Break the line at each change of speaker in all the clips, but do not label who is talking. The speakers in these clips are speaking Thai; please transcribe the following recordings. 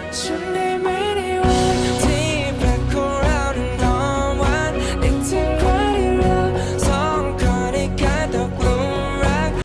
ฉันได้ไหมในวันที่แปลกของเรานั้นหอมหวานนึกถึงวันที่เราสองคนได้กลายตกหลุมรัก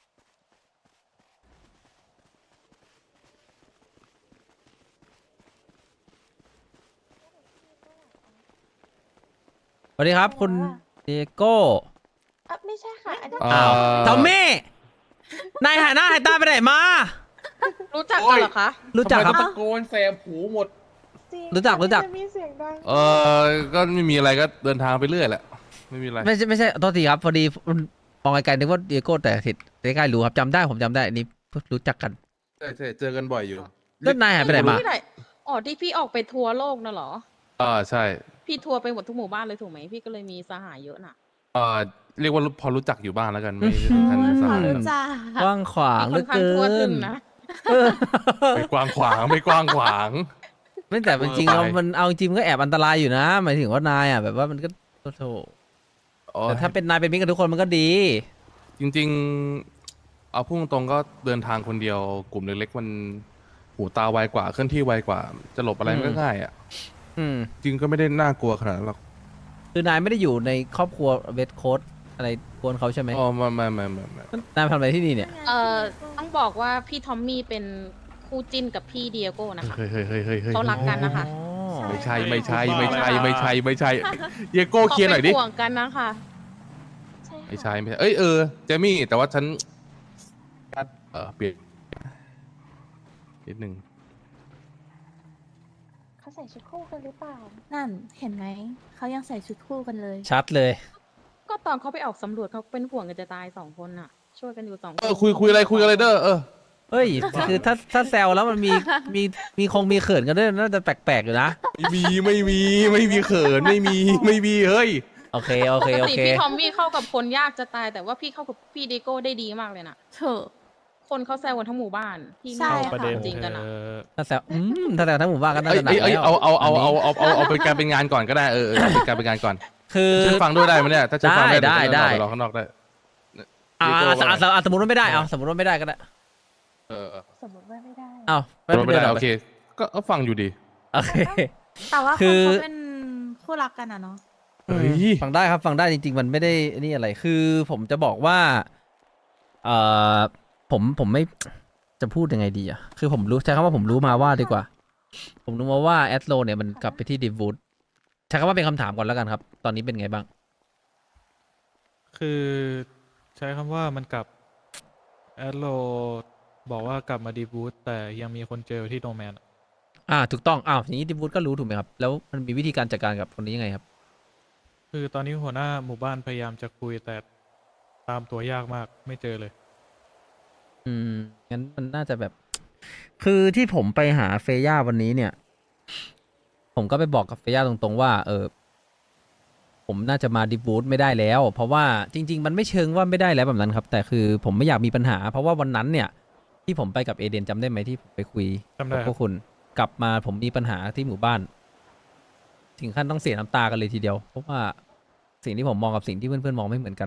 สวัสดีครับคุณเดโก้
ไม่ใช่ค่ะอันนี้
อ้าวทอมมี่นายหายหน้าหายตาไปไหนมา
รู้จักกันเหรอคะ
รู้จักครับ
ทำไมเขาตะโกนแสบหูหมด
จริง
รู้จัก
จะมีเสียงดัง
ก็ไม่มีอะไรก็เดินทางไปเรื่อยแหละ ไม่มีอะไร
ไม่ใช่โทษทีครับพอดีมองไกลๆนึกว่าเดโก้แต่ผิดใกล้ๆรู้ครับจำได้ผมจำได้อันนี้รู้จักกัน
ใช่ใช่เจอกันบ่อยอยู่
แล้วนายหายไปไหนมา
ที่ไหนอ๋อที่พี่ออกไปทัวร์โลกน่ะเหรอ
ใช่
พี่ทัวร์ไปหมดทุกหมู่บ้านเลยถูกไหมพี่ก็เลยมีสหายเยอะน่ะ
เรียกว่าพอรู้จักอยู่บ้างแล้วกัน ไม่ถึงขั้นสายหรอก
จ้าก
ว้างขวางเหลื
ค่อ
อน
ข้าง
เกิ
ทั่วถึ
น
งนะ
ไม่กว้างขวางไม่กว้างขวาง
ไม่แต่จริงๆแล้วมันเอาจริงมันก็แอบอันตรายอยู่นะหมายถึงว่านายอ่ะแบบว่ามันก็โถแต่ถ้าเป็นนายเป็นมิตรกับทุกคนมันก็ดี
จริงๆ เอาพุ่งตรงๆก็เดินทางคนเดียวกลุ่มเล็กๆมันหูตาไวกว่าเคลื่อนที่ไวกว่า จะหลบอะไรมันก็ง่ายอ่ะ
อืม
จริงก็ไม่ได้น่ากลัวขนาดนั้นหรอก
คือนายไม่ได้อยู่ในครอบครัวเวทโค้ดอะไรกวนเขาใช่ไหม
อ๋อไม่
นายทำอะไรที่นี่เนี่ย
ต้องบอกว่าพี่ทอมมี่เป็นคู่จิ้นกับพี่เดียโก้นะคะ
เฮ้ย
เขารักกันนะคะ
ไม่ใช่เยโก้เคลียร์หน่อยดิ
ขาป็ห่วงกันนะคะ
ใช่
ไม่ใช่เอ้ยเจมี่แต่ว่าฉันเปลี่ยนนิดนึง
เขาใส่ชุดคู่กันหรือเปล่า นั่นเห็นไหม เขายังใส่ชุดคู่กันเลย
ชัดเลย
ก็ตอนเขาไปออกสำรวจเขาเป็นห่วงกันจะตาย2 คนน่ะ ช่วยกันอยู่2 คน
คุยอะไรเด้อ
เฮ้ย คือถ้าแซวแล้วมันมีคงมีเขินกันด้วยน่าจะแปลกๆอยู่นะ
ไม่มีเขินไม่มีเฮ้ย
โอเค
ปกติพี่ทอมมี่เข้ากับคนยากจะตายแต่ว่าพี่เข้ากับพี่เดียโก้ได้ดีมากเลยน่ะ
เถอะ
คนเขาแซวกันทั้งหมู่บ้านพี่
ใช่
ไม่
ค่ะ
ประเด็นจริงกันอ่ะ
ถ้าแซวถ้าแซวทั้งหมู่บ้านก็น่าจะหนัก
เอ้ย
แล้ว
เอาเป็นการเป็นงานก่อนก็ได้เอาเป็นการเป็นงานก่อน
คือ
ฉันฟังด้วยได้ไหมเนี่ยถ้าฉันฟังได้
ได้
รอข้างนอกได้
สมมติว่าไม่ได้เอาสมมติว่าไม่ได้ก็ได้
สมมติว่าไม่ได้
เอา
ไม่ได้
หร
โอเคก็ฟังอยู่ดี
โอเค
แต่ว่า
คื
คน
อ
เขาเป็นคู่รักกันอะเนาะ
เฮ้ย
ฟังได้ครับฟังได้จริงๆมันไม่ได้นี่อะไรคือผมจะบอกว่าเอ่อผมไม่จะพูดยังไงดีอ่ะคือผมรู้ใช้คำว่าผมรู้มาว่าดีกว่า ผมรู้มาว่าแอดโลเนี่ยมันกลับไปที่ดิวูดใช้คำว่าเป็นคำถามก่อนแล้วกันครับ ตอนนี้เป็นไงบ้าง
คือใช้คำว่ามันกลับแอดโลบอกว่ากลับมาดีบูตแต่ยังมีคนเจอที่โนแมน
ถูกต้องอย่างนี้ดิวูดก็รู้ถูกไหมครับแล้วมันมีวิธีการจัดการกับคนนี้ยังไงครับ
คือตอนนี้หัวหน้าหมู่บ้านพยายามจะคุยแต่ตามตัวยากมากไม่เจอเลย
งั้นมันน่าจะแบบ คือที่ผมไปหาเฟย่าวันนี้เนี่ย ผมก็ไปบอกกับเฟย่าตรงๆว่า ผมน่าจะมาดิบูตไม่ได้แล้ว เพราะว่าจริงๆมันไม่เชิงว่าไม่ได้แล้วแบบนั้นครับ แต่คือผมไม่อยากมีปัญหา เพราะว่าวันนั้นเนี่ย ที่ผมไปกับเอเดนจำได้ไหมที่ผมไปคุย
จำได้
กับพวกคุณกลับมาผมมีปัญหาที่หมู่บ้าน ถึงขั้นต้องเสียน้ำตากันเลยทีเดียว เพราะว่าสิ่งที่ผมมองกับสิ่งที่เพื่อนๆมองไม่เหมือนกัน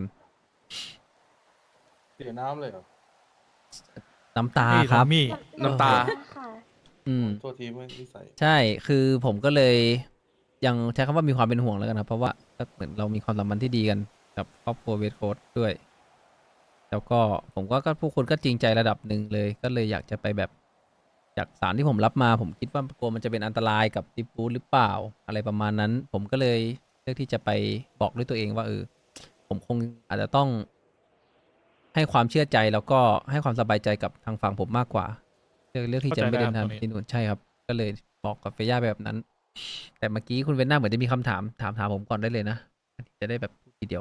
เสียน้ำเลยเหรอ
น้ำตา
นี่
ครับ
ทอมมี่
น้ำตา
ค่ะ
โทษทีไม่นิสัย
ใช่คือผมก็เลยยังใช้คำว่ามีความเป็นห่วงแล้วกันครับเพราะว่าก็เหมือนเรามีความสัมพันธ์ที่ดีกันกับครอบครัวเวทโค้ดด้วย แล้วก็ผมก็ผู้คนก็จริงใจระดับหนึ่งเลย ก็เลยอยากจะไปแบบจากสารที่ผมรับมา ผมคิดว่ากลัวมันจะเป็นอันตรายกับดิฟูดหรือเปล่าอะไรประมาณนั้น ผมก็เลยเลือกที่จะไปบอกด้วยตัวเองว่าผมคงอาจจะต้องให้ความเชื่อใจแล้วก็ให้ความสบายใจกับทางฝั่งผมมากกว่า เลือกที่จะไม่เดินทางที่นู่นใช่ครับ ก็เลยบอกกับเฟย่าแบบนั้น แต่เมื่อกี้คุณเวนน่าเหมือนจะมีคำถามผมก่อนได้เลยนะ จะได้แบบพูดทีเดียว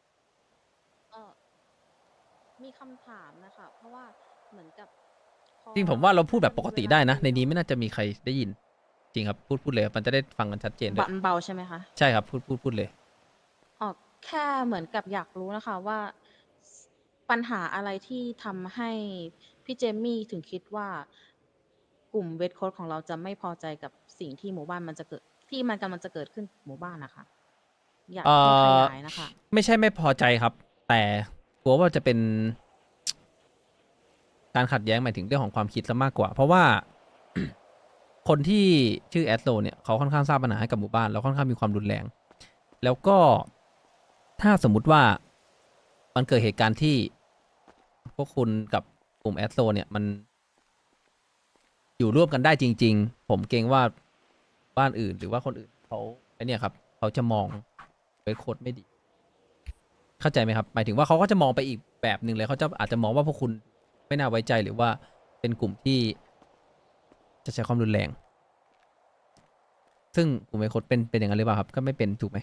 มีคำถามนะคะเพราะว่าเหมือนกับพอ
จริงผมว่าเราพูดแบบปกติได้นะ ในนี้ไม่น่าจะมีใครได้ยิน จริงครับพูดเลยมันจะได้ฟังกันชัดเจนด้วย
เบาใช่ไหมคะ
ใช่ครับพูดเลย
แค่เหมือนกับอยากรู้นะคะว่าปัญหาอะไรที่ทำให้พี่เจมี่ถึงคิดว่ากลุ่มเวทโค้ดของเราจะไม่พอใจกับสิ่งที่หมู่บ้านมันจะเกิดที่มันกำลังจะเกิดขึ้นหมู่บ้านนะคะ อยากให้ขยายนะคะ
ไม่ใช่ไม่พอใจครับ แต่กลัวว่าจะเป็น การขัดแย้งหมายถึงเรื่องของความคิดซะมากกว่า เพราะว่าคนที่ชื่อแอดโซเนี่ยเขาค่อนข้างสร้างปัญหาให้กับหมู่บ้านแล้วค่อนข้างมีความรุนแรง แล้วก็ถ้าสมมุติว่ามันเกิดเหตุการณ์ที่พวกคุณกับกลุ่มแอดโซเนี่ยมันอยู่ร่วมกันได้จริง ๆ ผมเกรงว่าบ้านอื่นหรือว่าคนอื่นเขาไอเนี่ยครับเขาจะมองเวทโค้ดไม่ดี เข้าใจไหมครับหมายถึงว่าเขาก็จะมองไปอีกแบบหนึ่งเลยเขาจะอาจจะมองว่าพวกคุณไม่น่าไว้ใจหรือว่าเป็นกลุ่มที่จะใช้ความรุนแรง ซึ่งกลุ่มเวทโค้ดเป็นอย่างนั้นหรือเปล่าครับก็ไม่เป็นถูกไหม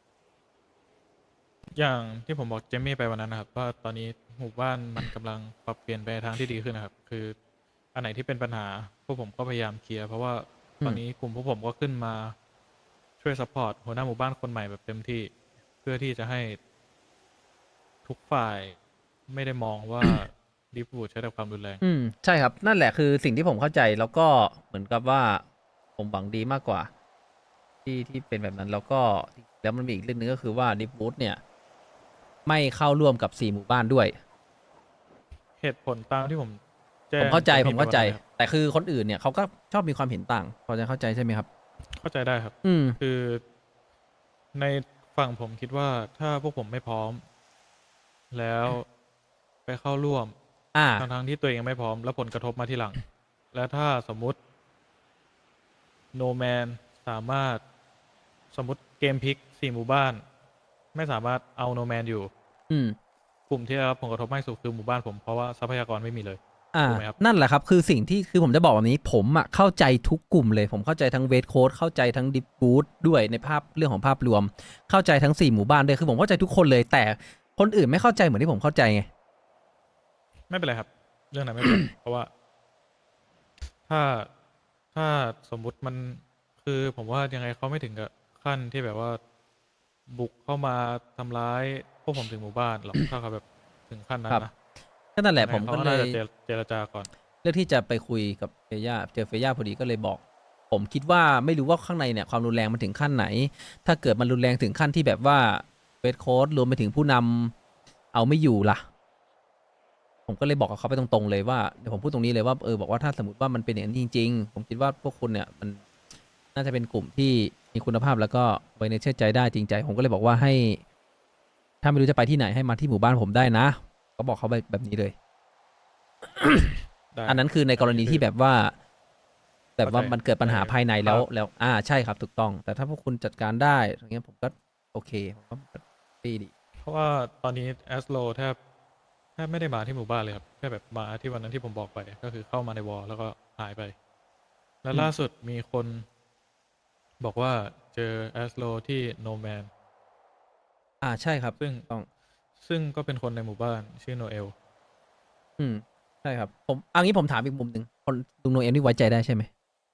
อย่างที่ผมบอกเจมมี่ไปวันนั้นนะครับว่าตอนนี้หมู่บ้านมันกำลังปรับเปลี่ยนไปในทางที่ดีขึ้นนะครับ คืออันไหนที่เป็นปัญหาพวกผมก็พยายามเคลียร์เพราะว่าตอนนี้กลุ่มพวกผมก็ขึ้นมาช่วยซัพพอร์ตหัวหน้าหมู่บ้านคนใหม่แบบเต็มที่เพื่อที่จะให้ทุกฝ่ายไม่ได้มองว่า ดิฟบูดใช้แต่ความรุนแรง
ใช่ครับนั่นแหละคือสิ่งที่ผมเข้าใจแล้วก็เหมือนกับว่าผมหวังดีมากกว่า ที่เป็นแบบนั้นแล้วก็แล้วมันมีอีกเรื่องนึงก็คือว่าดิฟบูธเนี่ย ไม่เข้าร่วมกับ4หมู่บ้านด้วย
เหตุผลตามที่ผมแจ้ง
ผมเข้าใจ
จม
ผ
มี่
ม
ไป
เข้าใจ
วันนั้นครับ
แต่คือคนอื่นเนี่ยเขาก็ชอบมีความเห็นต่างพอจะเข้าใจใช่ไหมครับ
เข้าใจได้ครับ
อืม
คือในฝั่งผมคิดว่าถ้าพวกผมไม่พร้อม แล้วไปเข้าร่วม
อ่า
ทั้งๆที่ตัวเองยังไม่พร้อม แล้วผลกระทบมาทีหลัง และถ้าสมมุติโนแมนสามารถสมมติเกมพลิก4หมู่บ้าน ไม่สามารถเอาโนแมนอยู่
อืม
กลุ่มที่ได้รับผลกระทบมากที่สุดคือหมู่บ้านผมเพราะว่าทรัพยากรไม่มีเลย ถูกไหมครับ
นั่นแหละครับคือสิ่งที่คือผมจะบอกแบบนี้ผมอะเข้าใจทุกกลุ่มเลยผมเข้าใจทั้งเวทโค้ดเข้าใจทั้งดิฟบูธด้วยในภาพเรื่องของภาพรวม เข้าใจทั้ง4หมู่บ้านด้วยคือผมเข้าใจทุกคนเลย แต่คนอื่นไม่เข้าใจเหมือนที่ผมเข้าใจไง
ไม่เป็นไรครับ เรื่องนั้นไม่เป็นไร เพราะว่า ถ้าถ้าสมมุติมันคือผมว่ายังไงเขาไม่ถึงกับขั้นที่แบบว่า บุกเข้ามาทำร้ายพวกผมถึงหมู่บ้านหรอก ถ้าเขาแบบถึงขั้นนั้น
ครับ
นะ
ก็นั่นแหละ
ยังไง
ผม
เขา
ก็
ก็
เล
น่าย จะเจรจาก่อน
เลือกที่จะไปคุยกับเฟย่าเจอเฟย่าพอดีก็เลยบอก ผมคิดว่าไม่รู้ว่าข้างในเนี่ยความรุนแรงมันถึงขั้นไหน ถ้าเกิดมันรุนแรงถึงขั้นที่แบบว่าเวทโค้ดรวมไปถึงผู้นำเอาไม่อยู่ล่ะ ผมก็เลยบอกกับเขาไปตรงๆเลยว่าเดี๋ยวผมพูดตรงนี้เลยว่าบอกว่าถ้าสมมติว่ามันเป็นอย่างนั้นจริงๆ ผมคิดว่าพวกคุณเนี่ยมันน่าจะเป็นกลุ่มที่มีคุณภาพแล้วก็ไว้ในเชื่อใจได้จริงใจ ผมก็เลยบอกว่าให้ ถ้าไม่รู้จะไปที่ไหนให้มาที่หมู่บ้านผมได้นะ ก็บอกเขาแบบนี้เลย
ได้
อันนั้นคือในกรณีที่แบบว่า แบบว่า
เข้าใจ
มันเกิดปัญหา
เข้าใจ
ภายในแล้ว
ครับ
แล้วใช่ครับถูกต้อง แต่ถ้าพวกคุณจัดการได้อย่างเงี้ยผมก็โอเคผมก็ดี
เพราะว่าตอนนี้แอสโลแทบไม่ได้มาที่หมู่บ้านเลยครับแค่แบบมาที่วันนั้นที่ผมบอกไป ก็คือเข้ามาในวอลแล้วก็หายไป และล่าสุดมีคนบอกว่าเจอแอสโลที่โนแมน
ใช่ครับ
ซึ่ง
ต้อง
ซึ่งก็เป็นคนในหมู่บ้านชื่อโนเอล
ใช่ครับผมเอางี้ผมถามอีกมุมหนึ่งคนลุงโนเอ็มนี่ไว้ใจได้ใช่ไหม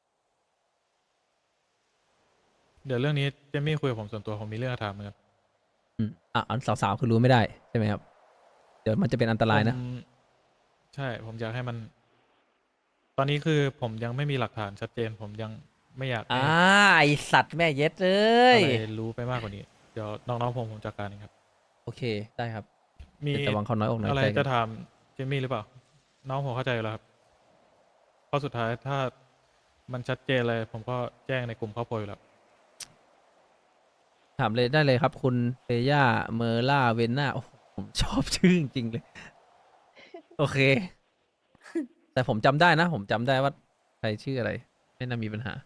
เดี๋ยวเรื่องนี้เจมี่คุยกับผมส่วนตัวผมมีเรื่องจะถามเหมือนกัน
อันสาวๆคือรู้ไม่ได้ใช่ไหมครับ เดี๋ยวมันจะเป็นอันตรายนะ
ผมใช่ผมอยากให้มัน ตอนนี้คือผมยังไม่มีหลักฐานชัดเจน ผมยังไม่อยากให้
ไอสัตว์แม่เย็ดเล
อะ
ย
ไรรู้ไปมากกว่านี้ เดี๋ยวน้องๆผมจัดการเองครับ
โอเคได้ครับ
มี
แต่หวังเขาน้อยอกน้อย
อะไร
ใจกั
จะ
น
ถามเจมี่หรือเปล่า น้องผมเข้าใจอยู่แล้วครับเพราะสุดท้ายถ้ามันชัดเจนเลย ผมก็แจ้งในกลุ่มครอบครัวอยู่แล้ว
ถามเลยได้เลยครับ คุณเฟย่าเมอร์ล่าเวนนาโอ้โหผมชอบชื่อจริงๆเลย โอเค แต่ผมจำได้นะ ผมจำได้ว่าใครชื่ออะไร ไม่น่ามีปัญหา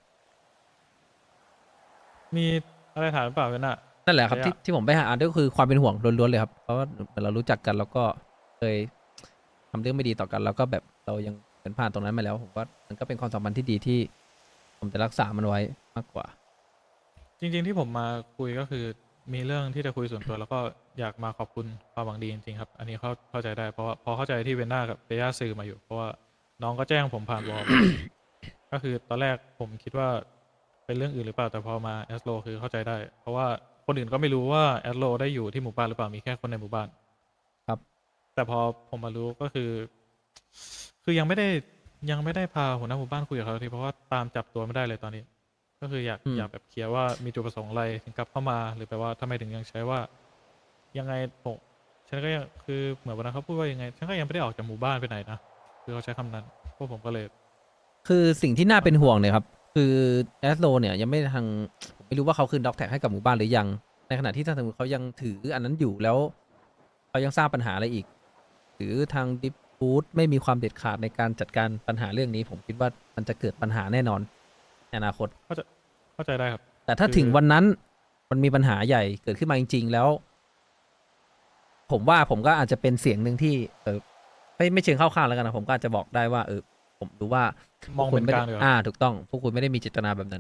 มีอะไรถามหรือเปล่าเวนน่ะ
นั่นแหละครับ
เฟย่า
ที่ผมไปหาอ่านก็คือความเป็นห่วงล้วนๆเลยครับ เพราะว่าเรารู้จักกันแล้วก็เคยทำเรื่องไม่ดีต่อกัน แล้วก็แบบเรายังเป็นผ่านตรงนั้นมาแล้ว ผมว่ามันก็เป็นความสัมพันธ์ที่ดีที่ ผมจะรักษามันไว้มากกว่า
จริงๆที่ผมมาคุยก็คือมีเรื่องที่จะคุยส่วนตัว แล้วก็อยากมาขอบคุณความหวังดีจริงๆครับ อันนี้เข้าใจได้เพราะว่าพอเข้าใจที่เวนน่ากับเฟย่าสื่อมาอยู่ เพราะว่าน้องก็แจ้งผมผ่านวอล ก็คือตอนแรกผมคิดว่าเป็นเรื่องอื่นหรือเปล่าแต่พอมาแอสโลคือเข้าใจได้ เพราะว่าคนอื่นก็ไม่รู้ว่าแอสโลได้อยู่ที่หมู่บ้านหรือเปล่ามีแค่คนในหมู่บ้าน
ครับ
แต่พอผมมารู้ก็คือยังไม่ได้พาหัวหน้าหมู่บ้านคุยกับเขาทีเพราะว่าตามจับตัวไม่ได้เลยตอนนี้ ก็คืออยากแบบเคลียร์ว่ามีจุดประสงค์อะไรถึงกลับเข้ามา หรือแปลว่าทำไมถึงยังใช้ว่า ยังไงผมฉันก็ยังคือเหมือนวันนั้นเขาพูดว่ายังไงฉันก็ยังไม่ได้ออกจากหมู่บ้านไปไหนนะคือเขาใช้คำนั้นพวกผมก็เลย
คือสิ่งที่น่าเป็นห่วงเนี่ยครับคือแอสโลเนี่ยยังไม่ทางผมไม่รู้ว่าเขาคืนด็อกแท็กให้กับหมู่บ้านหรือยัง ในขณะที่ถ้าสมมติเขายังถืออันนั้นอยู่แล้วเขายังสร้างปัญหาอะไรอีก หรือทางดิฟฟูดไม่มีความเด็ดขาดในการจัดการปัญหาเรื่องนี้ ผมคิดว่ามันจะเกิดปัญหาแน่นอนในอนาคต
เข้าใจได้ครับ
แต่ถ้า
คือ
ถึงวันนั้นมันมีปัญหาใหญ่เกิดขึ้นมาจริง ๆ แล้ว ผมว่าผมก็อาจจะเป็นเสียงหนึ่งที่ ไม่เชิงเข้าข้างแล้วกันนะผมก็อาจจะบอกได้ว่า ผมรู้ว่าม
อง
พว
เป็น
ไม่
ก
ได้
ลางดีกว่า
ถูกต้อง พวกคุณไม่ได้มีเจตนาแบบนั้น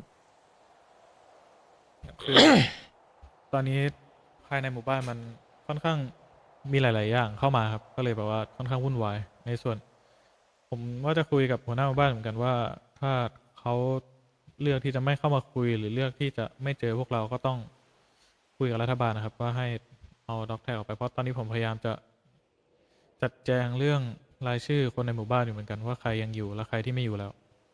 คือ ตอนนี้ภายในหมู่บ้านมันค่อนข้างมีหลาย ๆ อย่างเข้ามาครับ ก็เลยแบบว่าค่อนข้างวุ่นวายในส่วน ผมว่าจะคุยกับหัวหน้าหมู่บ้านเหมือนกันว่า ถ้าเขาเลือกที่จะไม่เข้ามาคุย หรือเลือกที่จะไม่เจอพวกเราก็ต้องคุยกับรัฐบาลนะครับ ว่าให้เอาด็อกแท็กออกไปเพราะตอนนี้ผมพยายามจะจัดแจงเรื่องรายชื่อคนในหมู่บ้านอยู่เหมือนกันว่าใครยังอยู่และใครที่ไม่อยู่แล้ว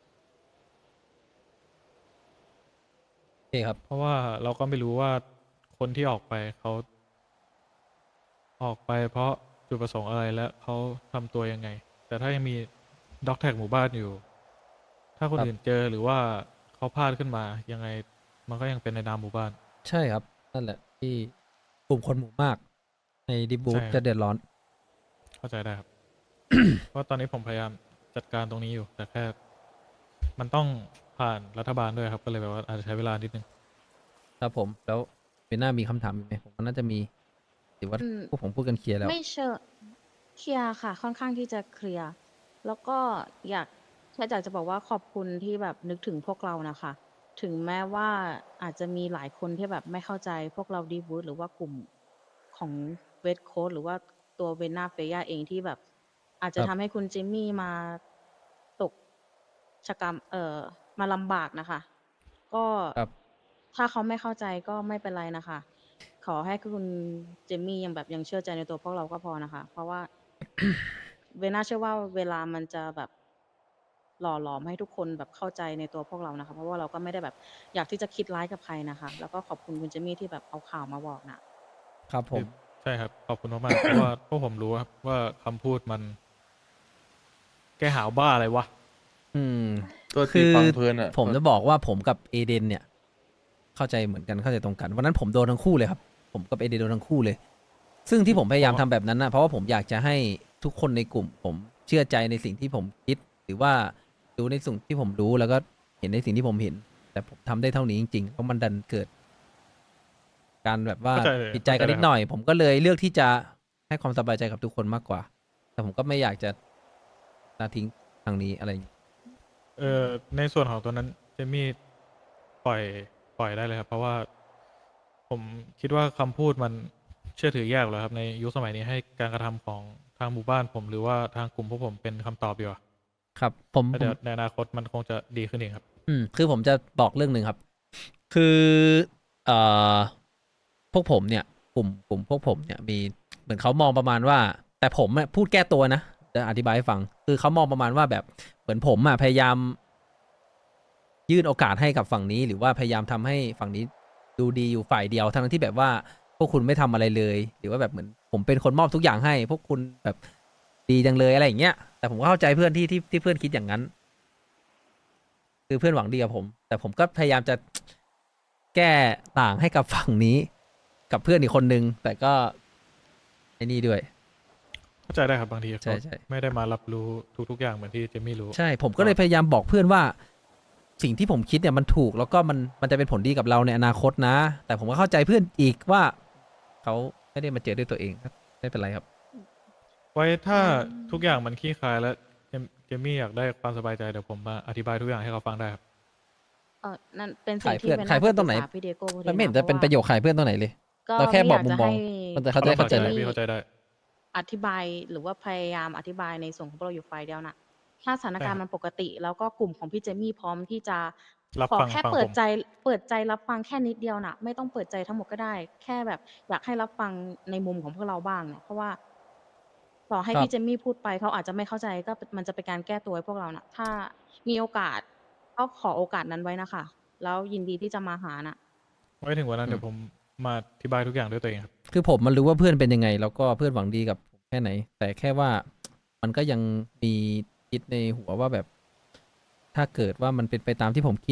โอเคครับ
เพราะว่าเราก็ไม่รู้ว่าคนที่ออกไปเขาออกไปเพราะจุดประสงค์อะไรและเขาทำตัวยังไง แต่ถ้ายังมีด็อกแท็กหมู่บ้านอยู่ ถ้าคน
ครับ
อื่นเจอหรือว่าเขาพลาดขึ้นมายังไงมันก็ยังเป็นในนามหมู่บ้าน
ใช่ครับ นั่นแหละที่กลุ่มคนหมู่มาก ในดิบู
ใช่
ธ
ครับ
จะเดือดร้อน
เข้าใจได้ครับ เพราะตอนนี้ผมพยายามจัดการตรงนี้อยู่ แต่แค่มันต้องผ่านรัฐบาลด้วยครับ ก็เลยแบบว่าอาจจะใช้เวลานิดนึง
ครับผมแล้วเบนหน้ามีคำถามอีกไหมผมว่าน่าจะมีหรือว่า
อืม
พวกผมพูดกันเคลียร์แล้ว
ไม่เชิงเคลียร์ค่ะ ค่อนข้างที่จะเคลียร์แล้วก็แค่อยากจะบอกว่าขอบคุณที่แบบนึกถึงพวกเรานะคะ ถึงแม้ว่าอาจจะมีหลายคนที่แบบไม่เข้าใจพวกเราดีบูธหรือว่ากลุ่มของเวทโค้ดหรือว่าตัวเวนนาเฟย่าเองที่แบบ อาจจะ
ครับ
ทำให้คุณจิมมี่มาตกชะกรรมมาลำบากนะคะ ก็
ครับ
ถ้าเขาไม่เข้าใจก็ไม่เป็นไรนะคะ ขอให้คุณเจมมี่ยังเชื่อใจในตัวพวกเราก็พอนะคะ เพราะว่า เวน่าเชื่อว่าเวลามันจะแบบหล่อหลอมให้ทุกคนแบบเข้าใจในตัวพวกเรานะคะ เพราะว่าเราก็ไม่ได้แบบอยากที่จะคิดร้ายกับใครนะคะ แล้วก็ขอบคุณคุณเจมมี่ที่แบบเอาข่าวมาบอกนะครับ
ผม
ใช่ครับ ขอบคุณมากๆ เพราะว่าพวกผมรู้ครับว่าคำพูดมัน แกหาวบ้าอะไรวะ
อืม
ตัว
คื
ตี
อ
ฟังเพลินอ่ะ
ผมจะบอกว่าผมกับเอเดนเนี่ย เข้าใจเหมือนกันเข้าใจตรงกันวันนั้นผมโดนทั้งคู่เลยครับ ผมกับเอเดนโดนทั้งคู่เลย ซึ่งที่ผมพยายามทำแบบนั้นนะเพราะว่าผมอยากจะให้ทุกคนในกลุ่ม ผมเชื่อใจในสิ่งที่ผมคิด หรือว่ารู้ในสิ่งที่ผมรู้แล้วก็เห็นในสิ่งที่ผมเห็น แต่ผมทำได้เท่านี้จริงๆเพราะมันดันเกิด การแบบว่า
เข้าใจเลย
ผิดใจกันนิดหน่อย ผมก็เลยเลือกที่จะให้ความสบายใจกับทุกคนมากกว่า แต่ผมก็ไม่อยากจะละทิ้งทางนี้อะไรอย่างนี้
ในส่วนของตัวนั้นเจมี่ปล่อยได้เลยครับ เพราะว่าผมคิดว่าคำพูดมันเชื่อถือยากแล้วครับ ในยุคสมัยนี้ให้การกระทำของทางหมู่บ้านผม หรือว่าทางกลุ่มพวกผมเป็นคำตอบดีกว่า
ครับผม
แล้วเดี๋ยวในอนาคตมันคงจะดีขึ้นเองครับ
คือผมจะบอกเรื่องหนึ่งครับ คือเอ่อพวกผมเนี่ย กลุ่มพวกผมเนี่ยมีเหมือนเขามองประมาณว่า แต่ผมอะพูดแก้ตัวนะจะอธิบายให้ฟัง คือเขามองประมาณว่าแบบเหมือนผมอะพยายาม ยื่นโอกาสให้กับฝั่งนี้ หรือว่าพยายามทำให้ฝั่งนี้ดูดีอยู่ฝ่ายเดียวทั้งที่แบบว่าพวกคุณไม่ทำอะไรเลย หรือว่าแบบเหมือนผมเป็นคนมอบทุกอย่างให้ พวกคุณแบบดีจังเลยอะไรอย่างเงี้ยแต่ผมก็เข้าใจเพื่อนที่เพื่อนคิดอย่างนั้น คือเพื่อนหวังดีกับผม แต่ผมก็พยายามจะแก้ต่างให้กับฝั่งนี้ กับเพื่อนอีกคนนึง แต่ก็ไอ้นี่ด้วย
เข้าใจได้ครับบางที
ใช่
เขา
ใช่
ไม่ได้มารับรู้ทุกๆอย่างเหมือนที่เจมี่รู้
ใช่ ผมก็เลยพยายามบอกเพื่อนว่า สิ่งที่ผมคิดเนี่ยมันถูก แล้วก็มันจะเป็นผลดีกับเราในอนาคตนะ แต่ผมก็เข้าใจเพื่อนอีกว่าเขาไม่ได้มาเจอด้วยตัวเองครับไม่เป็นไรครับ
ไว้ถ้าทุกอย่างมันคลี่คลายแล้วเจมี่อยากได้ความสบายใจเดี๋ยวผมมาอธิบายทุกอย่างให้เขาฟังได้ครับ
นั่นเป็นสิ่งที่
ขายเพื่อนตรงไหน
ปษาพี่เดโก้พอดี
มันไม่เห็น
นะ
จะเป็นประโยชน์ขายเพื่อนตัวไหนเลย
ก็
เราแค่บอก
ไย
มุม
จะ
มอง
ให้
มันจะเข้าใจ
เข้าใจ
เลย
พี่เข้าใจได้
อธิบายหรือว่าพยายามอธิบายในส่วนของพวกเราอยู่ฝ่ายเดียวนะถ้าสถานการณ์
ใช่
มันปกติ แล้วก็กลุ่มของพี่เจมี่พร้อมที่จะ
รับ
ขอ
ฟัง
แค่
ฟัง
เปิ
ผ
ด
ม
ใจรับฟังแค่นิดเดียวนะไม่ต้องเปิดใจทั้งหมดก็ได้ แค่แบบอยากให้รับฟังในมุมของพวกเราบ้างเนี่ยเพราะว่าต่อให้
ครับ
พี่เจมี่พูดไปเขาอาจจะไม่เข้าใจก็มันจะเป็นการแก้ตัวให้พวกเรานะถ้ามีโอกาสก็ขอโอกาสนั้นไว้นะคะแล้วยินดีที่จะมาหานะ
ไว้ถึงวันนั้นเดี๋ยวผมมาอธิบายทุกอย่างด้วยตัวเองครับ
คือผมมันรู้ว่าเพื่อนเป็นยังไง แล้วก็เพื่อนหวังดีกับผมแค่ไหน แต่แค่ว่ามันก็ยังมีคิดในหัวว่าแบบ ถ้าเกิดว่ามันเป็นไปตามที่ผมคิด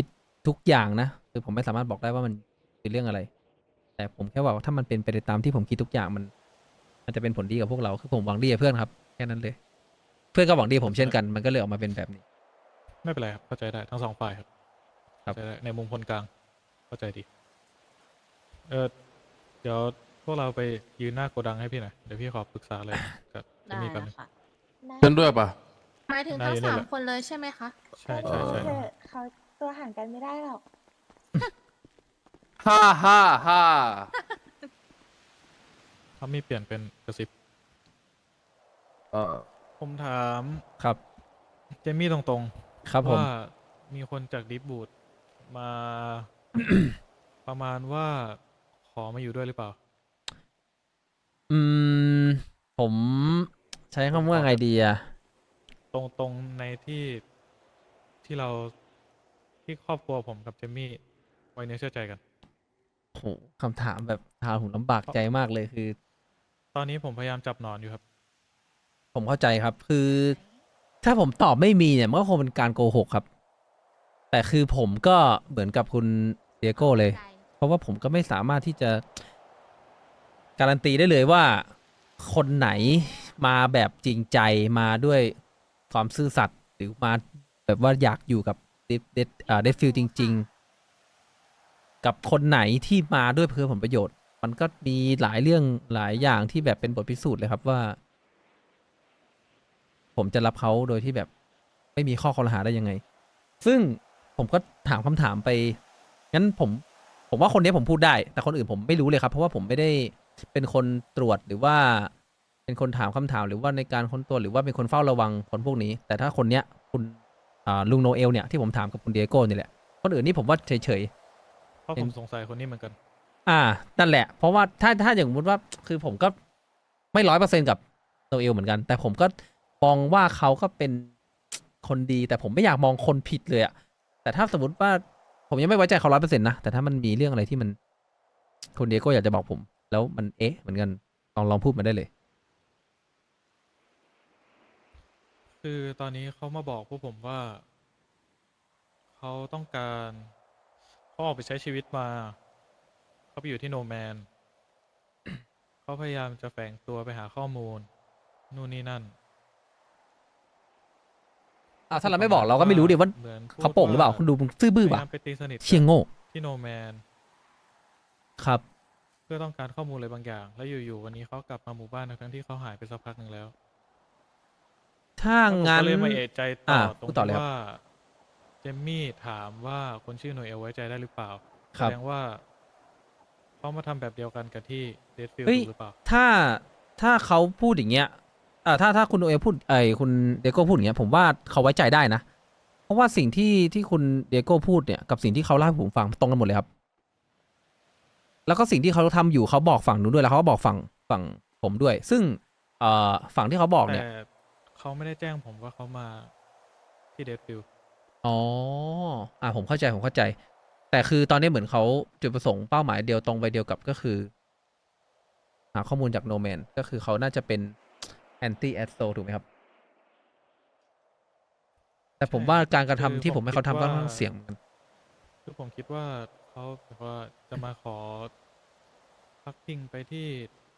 ทุกอย่างนะคือผมไม่สามารถบอกได้ว่ามันคือเรื่องอะไร แต่ผมแค่ว่าถ้ามันเป็นไปตามที่ผมคิดทุกอย่างมันจะเป็นผลดีกับพวกเราคือผมหวังดีกับเพื่อนครับแค่นั้นเลย เพื่อนก็หวังดีกับผมเช่นกันมันก็เลยออกมาเป็นแบบนี้
ไม่เป็นไรครับเข้าใจได้ทั้งสองฝ่ายครับ
ครับ
เข้าใจได้ในมุมคนกลางเข้าใจดีเดี๋ยวพวกเราไปยืนหน้าโกดังให้พี่หน่อยเดี๋ยวพี่ขอปรึกษาอะไรกับเจ
ได้
มี่แป๊บนึ
นะ
ง
คะ
เพื่อนด้วยปะ
หมายถึง
ได้
ทั้ง
อยู่นี่
สา
แห
ม
ละ
คนเลยใช่ไหมคะ
ใช่ใช่ใช่
เออเขาตัวห่างกันไม่ได้หรอก
ฮ่าฮ่าฮ่า
เขามีเปลี่ยนเป็นกระซิบ
เออ
ผมถาม
ครับ
เจมี่ตรง
ครับ
ๆ
ผม
ว่ามีคนจากดิฟบูดมา ประมาณว่าขอมาอยู่ด้วยหรือเปล่า
อืมผมใช้คำว่าไงดีอะ
ตรงในที่เราที่ครอบครัวผมกับเจมี่ไว้เนื้อเชื่อใจกัน
โหคำถามแบบถามผมลำบากใจมากเลยคือ
ตอนนี้ผมพยายามจับหนอนอยู่ครับ
ผมเข้าใจครับ คือ ถ้าผมตอบไม่มีเนี่ยมันก็คงเป็นการโกหกครับ แต่คือผมก็เหมือนกับคุณเดียโก้เลย เพราะว่าผมก็ไม่สามารถที่จะการันตีได้เลยว่าคนไหนมาแบบจริงใจมาด้วยความซื่อสัตย์หรือมาแบบว่าอยากอยู่กับเดฟฟิลจริง ๆ กับคนไหนที่มาด้วยเพื่อผลประโยชน์ มันก็มีหลายเรื่องหลายอย่างที่แบบเป็นบทพิสูจน์เลยครับว่า ผมจะรับเขาโดยที่แบบไม่มีข้อคอรหาได้ยังไง ซึ่งผมก็ถามคำถามไป งั้นผมว่าคนนี้ผมพูดได้ แต่คนอื่นผมไม่รู้เลยครับ เพราะว่าผมไม่ได้เป็นคนตรวจหรือว่า เป็นคนถามคำถามหรือว่าในการค้นตัวหรือว่าเป็นคนเฝ้าระวังคนพวกนี้ แต่ถ้าคนเนี้ยคุณลุงโนเอลเนี่ยที่ผมถามกับคุณเดียโก้นี่แหละ คนอื่นนี่ผมว่าเฉย
เพราะผมสงสัยคนนี้เหมือนกัน
นั่นแหละ เพราะว่าถ้าอย่างสมมติว่าคือผมก็ไม่100%กับโนเอลเหมือนกัน แต่ผมก็มองว่าเขาก็เป็นคนดี แต่ผมไม่อยากมองคนผิดเลยอะแต่ถ้าสมมติว่าผมยังไม่ไว้ใจเขา100%นะ แต่ถ้ามันมีเรื่องอะไรที่มันคุณเดียโก้อยากจะบอกผม แล้วมันเหมือนกันลองพูดมาได้เลย
คือตอนนี้เขามาบอกพวกผมว่า เขาต้องการเขาออกไปใช้ชีวิตมา เขาไปอยู่ที่โนแมน เขาพยายามจะแฝงตัวไปหาข้อมูล นู่นนี่นั่น
ถ้าเราไม่บอกเราก็ไม่รู้ดิว่า
หมือนพูด
เขาโป่งหรือเปล่า คุณดูมึงซื่อบื้อ
พยา
ป่ะ
ยามไปตีสนิทกับ
เชี่ยโง่
ที่โนแมน
ครับ
เพื่อต้องการข้อมูลอะไรบางอย่าง แล้วอยู่ๆวันนี้เขากลับมาหมู่บ้านทั้งที่เขาหายไปสักพักหนึ่งแล้ว
ถ้า
แล้วผม
งั้น
ก็เลยมาเอะใจต่อตรง
พูดต่อเลย
ที่
ครับ
ว่าเจมมี่ถามว่าคนชื่อโนเอลไว้ใจได้หรือเปล่า
ครั
แส
บ
ดงว่าเขามาทำแบบเดียวกันกับที่เดดฟิล
เฮ้ย
หรือเปล่า
ถ้าเขาพูดอย่างเงี้ยถ้าคุณโอเอพูดคุณเดโก้พูดอย่างเงี้ย ผมว่าเขาไว้ใจได้นะ เพราะว่าสิ่งที่คุณเดโก้พูดเนี่ยกับสิ่งที่เขาเล่าให้ผมฟังตรงกันหมดเลยครับ แล้วก็สิ่งที่เขาทำอยู่เขาบอกฝั่งนู้นด้วยแล้วเขาก็บอกฝั่งผมด้วย ซึ่งฝั่งที่เขาบอกเนี่ย
แต่เขาไม่ได้แจ้งผมว่าเขามาที่เดดฟิล
อ๋อผมเข้าใจ แต่คือตอนนี้เหมือนเขาจุดประสงค์เป้าหมายเดียวตรงไปเดียวกับก็คือ หาข้อมูลจากโนแมนก็คือเขาน่าจะเป็นแอนตี้แอดโซถูกไหมครับ แต่ผมว่าการกระทำที่ผมให้เขาทำก็ค่อนข้างเสี่ยงเหมือนกัน
คือผมคิดว่าเขาแบบว่าจะมาขอพักพิงไปที่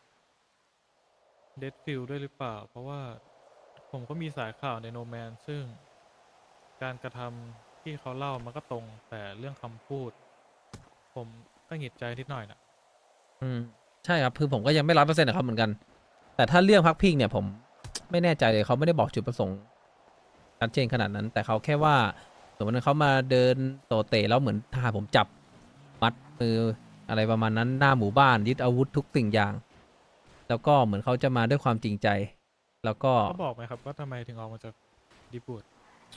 เดดฟิลด้วยหรือเปล่า เพราะว่าผมก็มีสายข่าวในโนแมนซึ่งการกระทำที่เขาเล่ามันก็ตรง แต่เรื่องคำพูด ผมก็หงิดใจนิดหน่อยนะ
ใช่ครับ คือผมก็ยังไม่100%นะครับเหมือนกัน แต่ถ้าเรื่องพักพิงเนี่ยผมไม่แน่ใจเลยเขาไม่ได้บอกจุดประสงค์ชัดเจนขนาดนั้น แต่เขาแค่ว่าสมมติว่าเขามาเดินโตเตะแล้วเหมือนทหารผมจับมัดมืออะไรประมาณนั้นหน้าหมู่บ้านยึดอาวุธทุกสิ่งอย่าง แล้วก็เหมือนเขาจะมาด้วยความจริงใจ แล้วก็
เขาบอกไหมครับว่าทำไมถึงออกมาจากดิบูด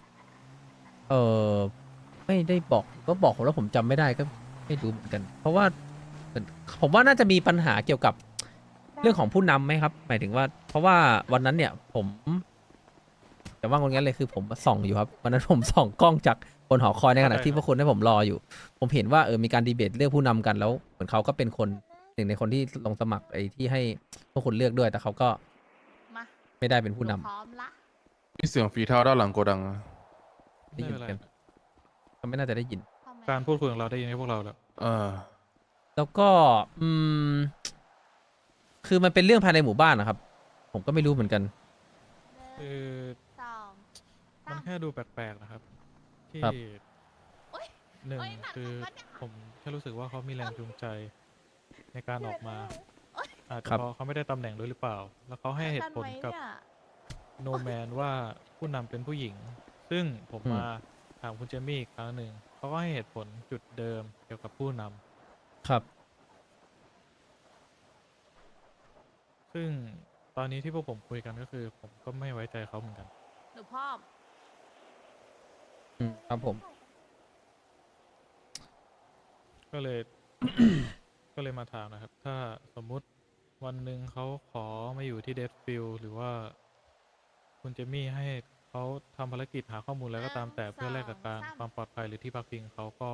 ไม่ได้บอกก็บอกผมแล้วผมจำไม่ได้ก็ไม่รู้เหมือนกัน เพราะว่าผมว่าน่าจะมีปัญหาเกี่ยวกับเรื่องของผู้นำไหมครับ หมายถึงว่า เพราะว่าวันนั้นเนี่ยผมแต่ว่างั้นเลยคือผมส่องอยู่ครับวันนั้นผมส่องกล้องจากบนหอคอยในขณะที่พวกคุณให้ผมรออยู่ ผมเห็นว่ามีการดีเบตเลือกผู้นำกันแล้วเหมือนเขาก็เป็นคนหนึ่งในคนที่ลงสมัครไอ้ที่ให้พวกคุณเลือกด้วย แต่เขาก็
มา
ไม่ได้เป็นผู้นำ
พร้อมละ
มีเสียงฝีเท้าด้านหลังโกดังอะ
ได้
ไม่
ยิน
เป็นไร
กัน ก็ไม่น่าจะได้ยิน
พร้อมไหม
การพูดคุยของเราได้ยินให้พวกเราแล้ว
แล้วก็คือมันเป็นเรื่องภายในหมู่บ้านนะครับ ผมก็ไม่รู้เหมือนกัน
คือ
สอง
มันแค่ดูแปลกๆนะครับ ที่
ครับ
หนึ่งคือผมแค่รู้สึกว่าเขามีแรงจูงใจในการออกมา อาจจะ
ครับ
เพราะเขาไม่ได้ตำแหน่งด้วยหรือเปล่า แล้วเขาให้เหตุผลกับโนแมนว่าผู้นำเป็นผู้หญิง ซึ่งผมมาถามคุณเจมี่อีกครั้งหนึ่งเขาก็ให้เหตุผลจุดเดิมเกี่ยวกับผู้นำ
ครับ
ซึ่งตอนนี้ที่พวกผมคุยกันก็คือ ผมก็ไม่ไว้ใจเขาเหมือนกัน
หนูพ่อม
ครับผม
ก็เลย ก็เลยมาถามนะครับ ถ้าสมมุติวันหนึ่งเขาขอมาอยู่ที่เดดฟิลหรือว่า คุณเจมี่ให้เขาทำภารกิจหาข้อมูลแล้วก็ตามแต่เพื่อแลกกับการความปลอดภัยหรือที่พักพิงเขาก็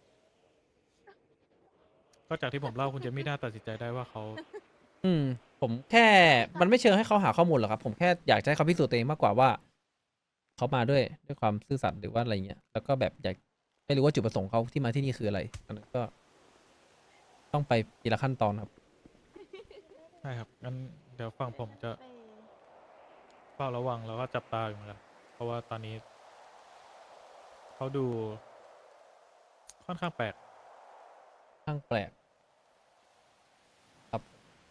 ก็จากที่ผมเล่าคุณเจมี่น่าตัดสินใจได้ว่าเขา
ผมแค่มันไม่เชิงให้เขาหาข้อมูลหรอกครับ ผมแค่อยากจะให้เขาพิสูจน์ตัวเองมากกว่าว่าเขามาด้วยความซื่อสัตย์หรือว่าอะไรเงี้ยแล้วก็แบบอยากไม่รู้ว่าจุดประสงค์เขาที่มาที่นี่คืออะไรอันนั้นก็ ต้องไปทีละขั้นตอนครับ
ใช่ครับงั้นเดี๋ยวฝั่งผมจะเฝ้าระวังแล้วก็จับตาอยู่เหมือนกันเพราะว่าตอนนี้เขาดูค่อนข้างแปลก
ข้างแปลกครับ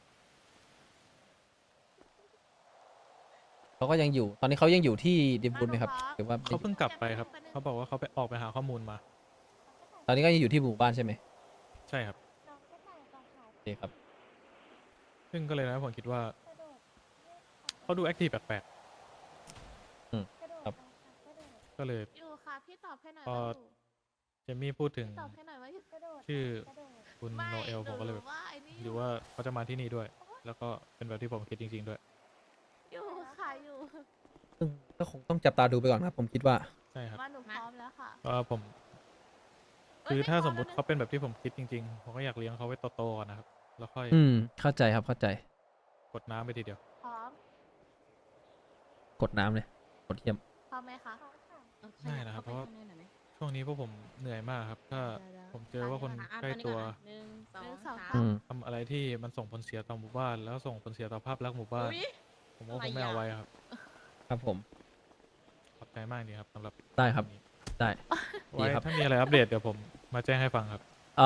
เขาก็ยังอยู่ ตอนนี้เขายังอยู่ที่ดิมบุญไหมครับหรือว่า
เขาเพิ่งกลับไปครับเขาบอกว่าเขาไปออกไปหาข้อมูลมา
ตอนนี้ก็ยังอยู่ที่หมู่บ้านใช่ไหม
ใช่ครับ
โอเคครับ
ซึ่งก็เลยทำให้ผมคิดว่าเขาดูแอคทีฟแปลก
ครับ
ๆก็เลย
อยู่ค่ะพี่ตอบให้หน่อย
พอ
ว่าอยู่
เจมี่พูดถึง
ตอบให้หน่อยว่าอยู่
ชื่อคุณ
ไม่
โนเอลผมก็เลยแบบ
ว่าไอ้นี่
หรือว่าเขาจะมาที่นี่ด้วย แล้วก็เป็นแบบที่ผมคิดจริง ๆ ด้วย
อยู่ค่ะอยู่
ซึ่งก็คงต้องจับตาดูไปก่อนครับ ผมคิดว่า
ใช่ครับ
มาหนูพร้อมแล้วค่ะ
ก็ผม
เอ้ย
คือ
ไม่
ถ้า
พอ
สมมุติ
แล้วนะ
เขาเป็นแบบที่ผมคิดจริง ๆ ผมก็อยากเลี้ยงเขาไว้โตๆก่อนนะครับ แล้วค่อย
เข้าใจครับเข้าใจ
กดน้ำไปทีเดียว
พร้อม
กดน้ำเลยกดเยี่ยม
พร้อมไหมคะ
ได้นะครับเพราะว่า ช่วงนี้พวกผมเหนื่อยมากครับ ถ้าผมเจอว่าคนใกล้ตัว
หนึ่งสอง
หนึ่งสอง
สาม
สาม
ทำอะไรที่มันส่งผลเสียต่อหมู่บ้าน แล้วส่งผลเสียต่อภาพลักษณ์หมู่บ้าน
อุ๊ย
ผมก็คงไม่เอาไว้ครับ
ครับผม
ขอบใจมากดีครับสำหรับ
ได้ครับ
วันนี้
ได้
ไว้
ดีครับ
ถ้ามีอะไรอัปเดตเดี๋ยวผมมาแจ้งให้ฟังครับ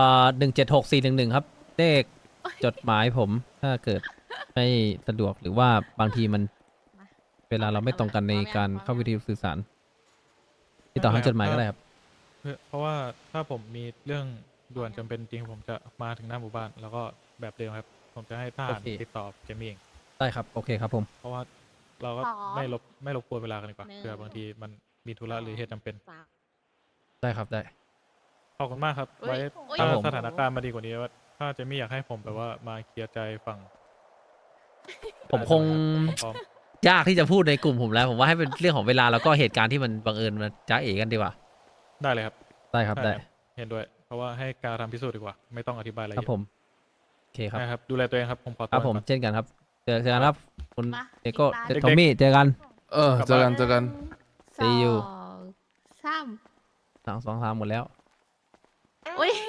176411ครับเลขจดหมายผมถ้าเกิดไม่สะดวกหรือว่าบางทีมัน เวลาเราไม่ตรงกันในการเข้าวิธีสื่อสารที่ต่อทางจดหมายก็ได้ครับ
เพราะว่าถ้าผมมีเรื่องด่วนจำเป็นจริงผมจะมาถึงหน้าหมู่บ้าน แล้วก็แบบเดิมครับ ผมจะให้ทหาร
โอเค
ติดต่อเจมี่เอง
ได้ครับ โอเคครับผม
เพราะว่าเราก็
อ๋อ
ไม่รบกวนเวลากันดีกว่าเผื่อบางทีมันมีธุระหรือเหตุจำเป็น
สาม
ได้ครับได้
ขอบคุณมากครับ
อุ๊ย
ไว้
อุ๊ย
ถ้า
ครับผม
สถานการณ์มาดีกว่านี้ว่า ถ้าเจมี่อยากให้ผมแบบว่ามาเคลียร์ใจฝั่ง
ผมคง
ผมพร้อม
ยากที่จะพูดในกลุ่มผมแล้ว ผมว่าให้เป็นเรื่องของเวลาแล้วก็เหตุการณ์ที่มันบังเอิญมาจ้าเอกันดีกว่า
ได้เลยครับ
ได้ครับได้
เห็นด้วย เพราะว่าให้การทำพิสูจน์ดีกว่า ไม่ต้องอธิบายอะไร
ครับ
เยอะ
ผมโอเคครับ
นะครับ ดูแลตัวเองครับ ผมขอ
ค
ตัว
รับผม
ก่อน
เช่นกันครับเจอกันครับคุณ
มา
เอโก้
ติดตาม
ทอมมี่เจอกัน
เจอกันเจอกัน
See you
สองสาม
2 3หมดแล้ว
อุ้ย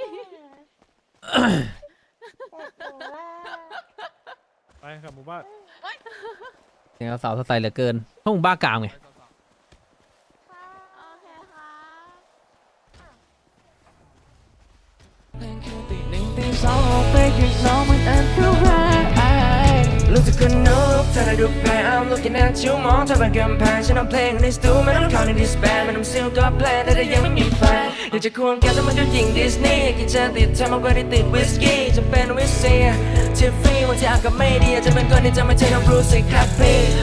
ไปครับหมู่บ้าน
เนี่ยสาวสไตล์เหลือเกินพวกมึงบ้ากามไง
โอเคค่ะ
นั่นคือตีหนึ่งตีสองออกไปข้างนอกมันอันตรายรู้สึกคนนุกเธอได้ดูแพ้ I'm looking at you มองเธอเป็นกำแพงฉันเอาเพลงในสตูไม่ต้องเข้าในดิสแบนไม่ต้องซิลก็แพลนแต่ยังไม่มีแฟนอยากจะควงแกแต่มันก็ยิงดิสนีย์กินจะติดเธอมากกว่าที่ติดวิสกี้จะเป็นวิสเซียทิฟฟี่วันที่อากาศไม่ดีอาจจะเป็นคนที่จะไม่ใช่น้องบรูซสิครับพี่